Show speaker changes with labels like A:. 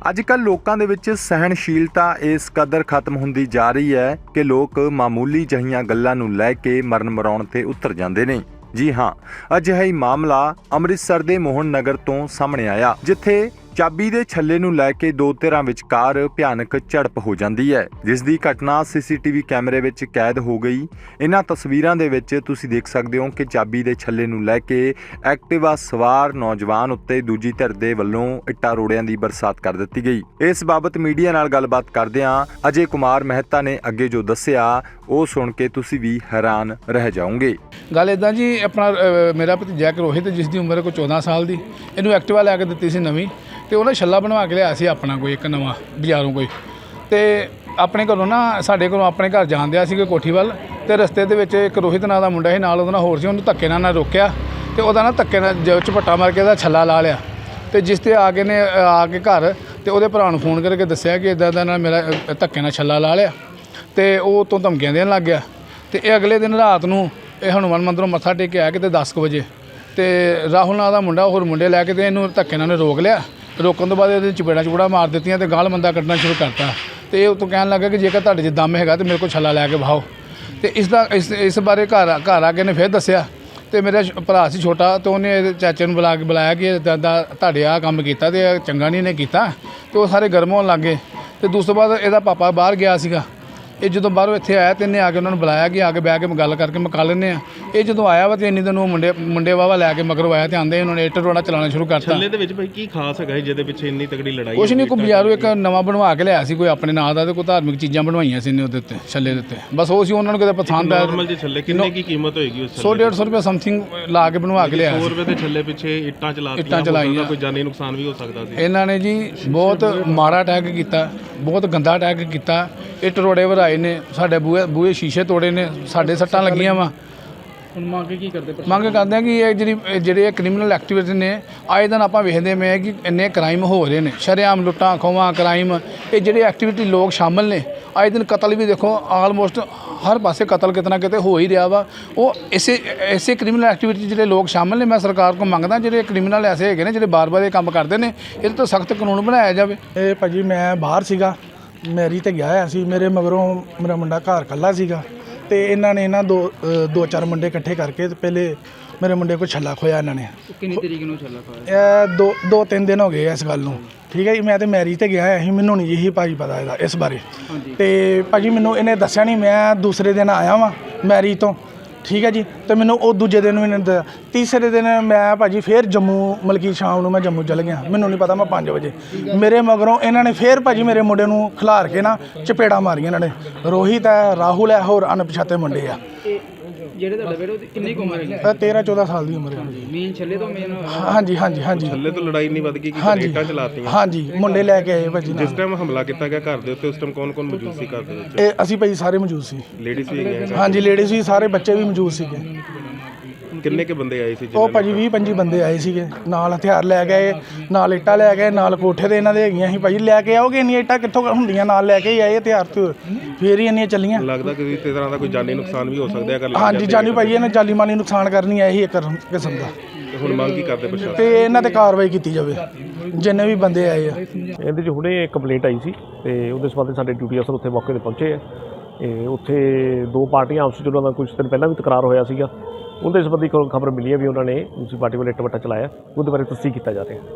A: ਅੱਜ-ਕੱਲ੍ਹ ਲੋਕਾਂ ਦੇ ਵਿੱਚ ਸਹਿਣਸ਼ੀਲਤਾ ਇਸ ਕਦਰ ਖਤਮ ਹੁੰਦੀ ਜਾ ਰਹੀ ਹੈ ਕਿ ਲੋਕ ਮਾਮੂਲੀ ਜਿਹੀਆਂ ਗੱਲਾਂ ਨੂੰ ਲੈ ਕੇ ਮਰਨ ਮਰਾਉਣ ਤੇ ਉਤਰ ਜਾਂਦੇ ਨੇ। ਜੀ ਹਾਂ, ਅਜਿਹਾ ਹੀ ਮਾਮਲਾ ਅੰਮ੍ਰਿਤਸਰ ਦੇ ਮੋਹਨ ਨਗਰ ਤੋਂ ਸਾਹਮਣੇ ਆਇਆ, ਜਿੱਥੇ ਚਾਬੀ ਦੇ ਛੱਲੇ ਨੂੰ ਲੈ ਕੇ ਦੋ ਧਿਰਾਂ ਵਿਚਕਾਰ ਭਿਆਨਕ ਝੜਪ ਹੋ ਜਾਂਦੀ ਹੈ, ਜਿਸ ਦੀ ਘਟਨਾ ਸੀਸੀਟੀਵੀ ਕੈਮਰੇ ਵਿੱਚ ਕੈਦ ਹੋ ਗਈ। ਇਹਨਾਂ ਤਸਵੀਰਾਂ ਦੇ ਵਿੱਚ ਤੁਸੀਂ ਦੇਖ ਸਕਦੇ ਹੋ ਕਿ ਚਾਬੀ ਦੇ ਛੱਲੇ ਨੂੰ ਲੈ ਕੇ ਐਕਟਿਵਾ ਸਵਾਰ ਨੌਜਵਾਨ ਉੱਤੇ ਦੂਜੀ ਧਿਰ ਦੇ ਵੱਲੋਂ ਇੱਟਾਂ ਰੋੜਿਆਂ ਦੀ ਬਰਸਾਤ ਕਰ ਦਿੱਤੀ ਗਈ। ਇਸ ਬਾਬਤ ਮੀਡੀਆ ਨਾਲ ਗੱਲਬਾਤ ਕਰਦਿਆਂ ਅਜੇ ਕੁਮਾਰ ਮਹਿਤਾ ਨੇ ਅੱਗੇ ਜੋ ਦੱਸਿਆ ਉਹ ਸੁਣ ਕੇ ਤੁਸੀਂ ਵੀ ਹੈਰਾਨ ਰਹਿ ਜਾਓਗੇ।
B: ਗੱਲ ਇੱਦਾਂ ਜੀ, ਆਪਣਾ ਮੇਰਾ ਭਤੀਜਾ ਰੋਹਿਤ, ਜਿਸ ਦੀ ਉਮਰ ਕੋਈ 14 ਸਾਲ ਦੀ, ਇਹਨੂੰ ਐਕਟਿਵਾ ਲੈ ਕੇ ਦਿੱਤੀ ਸੀ ਨਵੀਂ, ਤੇ ਉਹਨੇ ਛੱਲਾ ਬਣਵਾ ਕੇ ਲਿਆ ਸੀ ਆਪਣਾ ਕੋਈ ਇੱਕ ਨਵਾਂ ਬਾਜ਼ਾਰੋਂ ਕੋਈ, ਤੇ ਆਪਣੇ ਘਰੋਂ ਨਾ ਸਾਡੇ ਘਰੋਂ ਆਪਣੇ ਘਰ ਜਾਣ ਦਿਆ ਸੀ ਕੋਠੀ ਵੱਲ, ਤੇ ਰਸਤੇ ਦੇ ਵਿੱਚ ਇੱਕ ਰੋਹਿਤ ਨਾਂ ਦਾ ਮੁੰਡਾ ਸੀ ਨਾਲ, ਉਹਦੇ ਨਾਲ ਹੋਰ ਸੀ, ਉਹਨੂੰ ਧੱਕੇ ਨਾਲ ਰੋਕਿਆ ਤੇ ਉਹਦਾ ਨਾ ਧੱਕੇ ਨਾਲ ਝਪੱਟਾ ਮਾਰ ਕੇ ਉਹਦਾ ਛੱਲਾ ਲਾ ਲਿਆ। ਤੇ ਜਿਸ ਤੇ ਆ ਕੇ ਘਰ ਤੇ ਉਹਦੇ ਭਰਾ ਨੂੰ ਫੋਨ ਕਰਕੇ ਦੱਸਿਆ ਕਿ ਇੱਦਾਂ ਦਾ ਨਾਲ ਮੇਰਾ ਧੱਕੇ ਨਾਲ ਛੱਲਾ ਲਾ ਲਿਆ, ਤੇ ਉਹ ਤੋਂ ਧਮਕੀਆਂ ਦੇਣ ਲੱਗ ਗਿਆ। ਤੇ ਇਹ ਅਗਲੇ ਦਿਨ ਰਾਤ ਨੂੰ ਇਹ ਹਨੂੰਮਾਨ ਮੰਦਿਰੋਂ ਮੱਥਾ ਟੇਕ ਕੇ ਆਇਆ ਕਿਤੇ 10 ਕੁ ਵਜੇ, ਤੇ ਰਾਹੁਲ ਨਾਂ ਦਾ ਮੁੰਡਾ ਹੋਰ ਮੁੰਡੇ ਲੈ ਕੇ ਤੇ ਇਹਨੂੰ ਧੱਕੇ ਨਾਲ ਰੋਕ ਲਿਆ। ਰੋਕਣ ਤੋਂ ਬਾਅਦ ਇਹਦੇ ਚਪੇੜਾਂ ਮਾਰ ਦਿੱਤੀਆਂ ਤੇ ਗਾਲ ਮੰਦਾ ਕੱਢਣਾ ਸ਼ੁਰੂ ਕਰਤਾ। ਤੇ ਇਹ ਉਤੋਂ ਕਹਿਣ ਲੱਗਾ ਕਿ ਜੇਕਰ ਤੁਹਾਡੇ 'ਚ ਦਮ ਹੈਗਾ ਤੇ ਮੇਰੇ ਕੋਲ ਛੱਲਾ ਲੈ ਕੇ ਵਹਾਓ। ਤੇ ਇਸ ਬਾਰੇ ਘਰ ਆ ਕੇ ਨੇ ਫਿਰ ਦੱਸਿਆ, ਤੇ ਮੇਰਾ ਭਰਾ ਸੀ ਛੋਟਾ, ਤੇ ਉਹਨੇ ਇਹਦੇ ਚਾਚੇ ਨੂੰ ਬੁਲਾਇਆ ਕਿ ਤੁਹਾਡੇ ਆਹ ਕੰਮ ਕੀਤਾ ਤੇ ਚੰਗਾ ਨਹੀਂ ਇਹਨੇ ਕੀਤਾ, ਤੇ ਉਹ ਸਾਰੇ ਗਰਮ ਹੋਣ ਲੱਗ ਗਏ। ਤੇ ਦੂਸਰੇ ਬਾਅਦ ਇਹਦਾ ਪਾਪਾ ਬਾਹਰ ਗਿਆ ਸੀਗਾ, ਇਹ ਜਦੋਂ ਬਾਹਰੋਂ ਇੱਥੇ ਆਇਆ ਤੇ ਇਹਨੇ ਆ ਕੇ ਉਹਨਾਂ ਨੂੰ ਬੁਲਾਇਆ ਕਿ ਆ ਕੇ ਬਹਿ ਕੇ ਗੱਲ ਕਰਕੇ ਮੁਕਾ ਲੈਂਦੇ ਆ। ਇਹ ਜਦੋਂ ਆਇਆ ਵਾ ਤੇ ਇੰਨੀ ਦਿਨ ਉਹ ਮੁੰਡੇ ਵਾਵਾ ਲੈ ਕੇ ਮਗਰੋਂ ਆਇਆ ਤੇ ਆਂਦੇ ਉਹਨਾਂ ਨੇ ਇੱਟ ਰੋੜਾ ਚਲਾਉਣਾ ਸ਼ੁਰੂ ਕਰਤਾ।
C: ਛੱਲੇ ਦੇ ਵਿੱਚ ਭਾਈ ਕੀ ਖਾਸ ਹੈਗਾ ਜਿਹਦੇ ਪਿੱਛੇ ਇੰਨੀ ਤਕੜੀ ਲੜਾਈ?
B: ਕੁਛ ਨਹੀਂ, ਕੋਈ ਬਾਜ਼ਾਰੋਂ ਇੱਕ ਨਵਾਂ ਬਣਵਾ ਕੇ ਲਿਆ ਸੀ ਕੋਈ ਆਪਣੇ ਨਾਂ ਦਾ, ਤੇ ਕੋਈ ਧਾਰਮਿਕ ਚੀਜ਼ਾਂ ਬਣਵਾਈਆਂ ਸੀ ਇਹਨੇ ਉਹਦੇ ਉੱਤੇ ਛੱਲੇ ਦੇ ਉੱਤੇ, ਬਸ ਉਹ ਸੀ ਉਹਨਾਂ ਨੂੰ ਕਿਤੇ ਪਸੰਦ ਆਇਆ।
C: ਨਾਰਮਲ ਜਿਹੇ ਛੱਲੇ ਕਿੰਨੇ ਕੀ ਕੀਮਤ ਹੋਏਗੀ ਉਸ
B: 100-150 ਰੁਪਏ ਸਮਥਿੰਗ ਲਾ ਕੇ ਬਣਵਾ ਕੇ ਲਿਆ
C: 100 ਰੁਪਏ ਦੇ ਛੱਲੇ ਪਿੱਛੇ ਇੱਟਾਂ ਚਲਾਈਆਂ, ਕੋਈ ਜਾਨੀ ਨੁਕਸਾਨ ਵੀ ਹੋ ਸਕਦਾ ਸੀ।
B: ਇਹਨਾਂ ਨੇ ਜੀ ਬਹੁਤ ਮਾੜਾ ਅਟੈਕ ਕੀਤਾ, ਬਹੁਤ ਗੰਦਾ ਅਟੈਕ ਕੀਤਾ। ਇੱਟ ਰੋੜੇ ਵਰਾਏ ਨੇ, ਸਾਡੇ ਬੂਹੇ ਸ਼ੀਸ਼ੇ ਤੋੜੇ ਨੇ, ਸਾਡੇ ਸੱਟਾਂ ਲੱਗੀਆਂ ਵਾ।
D: ਹੁਣ ਮੰਗ ਕੀ ਕਰਦੇ?
B: ਮੰਗ ਕਰਦੇ ਆ ਕਿ ਇਹ ਜਿਹੜੇ ਕ੍ਰਿਮੀਨਲ ਐਕਟੀਵਿਟੀ ਨੇ, ਆਏ ਦਿਨ ਆਪਾਂ ਵੇਖਦੇ ਪਏ ਕਿ ਇੰਨੇ ਕ੍ਰਾਈਮ ਹੋ ਰਹੇ ਨੇ, ਸ਼ਰੇਆਮ ਲੁੱਟਾਂ ਖੋਹਾਂ ਕ੍ਰਾਈਮ, ਇਹ ਜਿਹੜੇ ਐਕਟੀਵਿਟੀ ਲੋਕ ਸ਼ਾਮਲ ਨੇ। ਆਏ ਦਿਨ ਕਤਲ ਵੀ ਦੇਖੋ, ਆਲਮੋਸਟ ਹਰ ਪਾਸੇ ਕਤਲ ਕਿਤੇ ਨਾ ਕਿਤੇ ਹੋ ਹੀ ਰਿਹਾ ਵਾ। ਉਹ ਇਸੇ ਕ੍ਰਿਮੀਨਲ ਐਕਟੀਵਿਟੀ ਜਿਹੜੇ ਲੋਕ ਸ਼ਾਮਲ ਨੇ, ਮੈਂ ਸਰਕਾਰ ਕੋਲ ਮੰਗਦਾ ਜਿਹੜੇ ਕ੍ਰਿਮੀਨਲ ਐਸੇ ਹੈਗੇ ਨੇ ਜਿਹੜੇ ਬਾਰ-ਬਾਰ ਇਹ ਕੰਮ ਕਰਦੇ ਨੇ, ਇਹਦੇ ਤੋਂ ਸਖਤ ਕਾਨੂੰਨ ਬਣਾਇਆ ਜਾਵੇ।
D: ਇਹ ਭਾਜੀ ਮੈਂ ਬਾਹਰ ਸੀਗਾ, ਮੈਰੀ ਤੇ ਗਿਆ ਹੋਇਆ ਸੀ, ਮੇਰੇ ਮਗਰੋਂ ਮੇਰਾ ਮੁੰਡਾ ਘਰ ਇਕੱਲਾ ਸੀਗਾ, ਤੇ ਇਹਨਾਂ ਨੇ ਦੋ ਚਾਰ ਮੁੰਡੇ ਇਕੱਠੇ ਕਰਕੇ ਤੇ ਪਹਿਲੇ ਮੇਰੇ ਮੁੰਡੇ ਕੋਲ ਛੱਲਾ ਖੋਇਆ ਇਹਨਾਂ ਨੇ।
E: ਕਿੰਨੀ ਤਰੀਕ ਨੂੰ ਛੱਲਾ ਖੋਇਆ?
D: ਇਹ 2-3 ਦਿਨ ਹੋ ਗਏ ਇਸ ਗੱਲ ਨੂੰ, ਠੀਕ ਹੈ ਜੀ। ਮੈਂ ਤੇ ਮੈਰੀ ਤੇ ਗਿਆ ਹੋਇਆ ਸੀ, ਮੈਨੂੰ ਨਹੀਂ ਜੀ ਭਾਜੀ ਪਤਾ ਇਹਦਾ ਇਸ ਬਾਰੇ। ਤੇ ਭਾਜੀ ਮੈਨੂੰ ਇਹਨੇ ਦੱਸਿਆ ਨਹੀਂ, ਮੈਂ ਦੂਸਰੇ ਦਿਨ ਆਇਆ ਵਾਂ ਮੈਰੀ ਤੋਂ, ਠੀਕ ਹੈ ਜੀ। ਤੇ ਮੈਨੂੰ ਉਹ ਦੂਜੇ ਦਿਨ ਵੀ ਨਹੀਂ, ਤੀਸਰੇ ਦਿਨ ਮੈਂ ਭਾਜੀ ਫਿਰ ਜੰਮੂ, ਮਲਕੀ ਸ਼ਾਮ ਨੂੰ ਮੈਂ ਜੰਮੂ ਚਲ ਗਿਆ, ਮੈਨੂੰ ਨਹੀਂ ਪਤਾ, ਮੈਂ 5 ਵਜੇ ਮੇਰੇ ਮਗਰੋਂ ਇਹਨਾਂ ਨੇ ਫਿਰ ਭਾਜੀ ਮੇਰੇ ਮੁੰਡੇ ਨੂੰ ਖਿਲਾਰ ਕੇ ਨਾ ਚਪੇੜਾਂ ਮਾਰੀਆਂ ਇਹਨਾਂ ਨੇ। ਰੋਹਿਤ ਹੈ, ਰਾਹੁਲ ਹੈ, ਹੋਰ ਅਣਪਛਾਤੇ ਮੁੰਡੇ ਆ।
E: ਜਿਹੜੇ ਤੁਹਾਡੇ ਬੇਟੇ ਉਹਦੀ ਕਿੰਨੀ ਉਮਰ ਹੈ?
D: 13-14 ਸਾਲ ਦੀ ਉਮਰ ਹੈ।
E: ਮੇਨ ਛੱਲੇ ਤੋਂ ਮੇਨ?
D: ਹਾਂਜੀ।
C: ਛੱਲੇ ਤੋਂ ਲੜਾਈ ਨਹੀਂ ਵੱਧ ਗਈ ਕਿ ਇੱਟਾਂ ਚਲਾਤੀਆਂ?
D: ਹਾਂਜੀ, ਮੁੰਡੇ ਲੈ ਕੇ ਆਏ ਭਾਜੀ।
C: ਜਿਸ ਟਾਈਮ ਹਮਲਾ ਕੀਤਾ ਗਿਆ ਘਰ ਦੇ ਉੱਤੇ, ਉਸ ਟਾਈਮ ਕੌਣ ਮੌਜੂਦ ਸੀ ਘਰ ਦੇ ਵਿੱਚ?
D: ਇਹ ਅਸੀਂ ਭਾਜੀ ਸਾਰੇ ਮੌਜੂਦ ਸੀ।
C: ਲੇਡੀਜ਼ ਵੀ ਗਏ?
D: ਹਾਂਜੀ, ਲੇਡੀਜ਼ ਵੀ, ਸਾਰੇ ਬੱਚੇ ਵੀ ਮੌਜੂਦ ਸੀਗੇ।
C: ਕਿੰਨੇ ਕੇ ਬੰਦੇ ਆਏ ਸੀ?
D: ਉਹ ਭਾਜੀ 20-25 ਬੰਦੇ ਆਏ ਸੀਗੇ, ਨਾਲ ਹਥਿਆਰ ਲੈ ਗਏ, ਨਾਲ ਇੱਟਾਂ ਲੈ ਗਏ, ਨਾਲ ਕੋਠੇ ਦੇ ਇਹਨਾਂ ਦੇ ਹੈਗੀਆਂ ਸੀ। ਭਾਜੀ ਲੈ ਕੇ ਆਓਗੇ, ਇੰਨੀਆਂ ਇੱਟਾਂ ਕਿੱਥੋਂ ਹੁੰਦੀਆਂ, ਨਾਲ ਲੈ ਕੇ ਹੀ ਆਏ ਹਥਿਆਰ ਤੇ, ਫੇਰ ਹੀ ਇੰਨੀਆਂ ਚੱਲੀਆਂ।
C: ਲੱਗਦਾ ਕਿ ਇਸ ਤਰ੍ਹਾਂ ਦਾ ਕੋਈ ਜਾਨੀ ਨੁਕਸਾਨ ਵੀ ਹੋ ਸਕਦਾ ਅਗਰ?
D: ਹਾਂਜੀ, ਜਾਨੀ ਭਾਜੀ ਇਹਨਾਂ ਜਾਨੀ ਮਾਲੀ ਨੁਕਸਾਨ ਕਰਨੀ ਹੈ, ਇਹੀ ਇੱਕ ਕਿਸਮ ਦਾ।
C: ਹੁਣ ਮੰਗ ਕੀ ਕਰਦੇ ਪ੍ਰਸ਼ਾਸਨ?
D: ਤੇ ਇਹਨਾਂ ਤੇ ਕਾਰਵਾਈ ਕੀਤੀ ਜਾਵੇ, ਜਿੰਨੇ ਵੀ ਬੰਦੇ ਆਏ ਆ।
F: ਇਹਦੇ 'ਚ ਹੁਣੇ ਕੰਪਲੇਂਟ ਆਈ ਸੀ, ਤੇ ਉਹਦੇ ਸੰਬੰਧ ਸਾਡੇ ਡਿਊਟੀ ਅਫਸਰ ਉੱਥੇ ਮੌਕੇ 'ਤੇ ਪਹੁੰਚੇ ਆ। ਉੱਥੇ ਦੋ ਪਾਰਟੀਆਂ ਆਪਸ ਵਿੱਚ ਉਹਨਾਂ ਦਾ ਕੁਝ ਦਿਨ ਪਹਿਲਾਂ ਵੀ ਤਕਰਾਰ ਹੋਇਆ ਸੀਗਾ, ਉਹਦੇ ਸੰਬੰਧੀ ਖਬਰ ਮਿਲੀ ਹੈ ਵੀ ਉਹਨਾਂ ਨੇ ਦੂਸਰੀ ਪਾਰਟੀ ਵੱਲ ਇੱਟ ਵੱਟਾ ਚਲਾਇਆ। ਉਹਦੇ ਬਾਰੇ ਤਸਦੀਕ ਕੀਤਾ ਜਾ ਰਿਹਾ।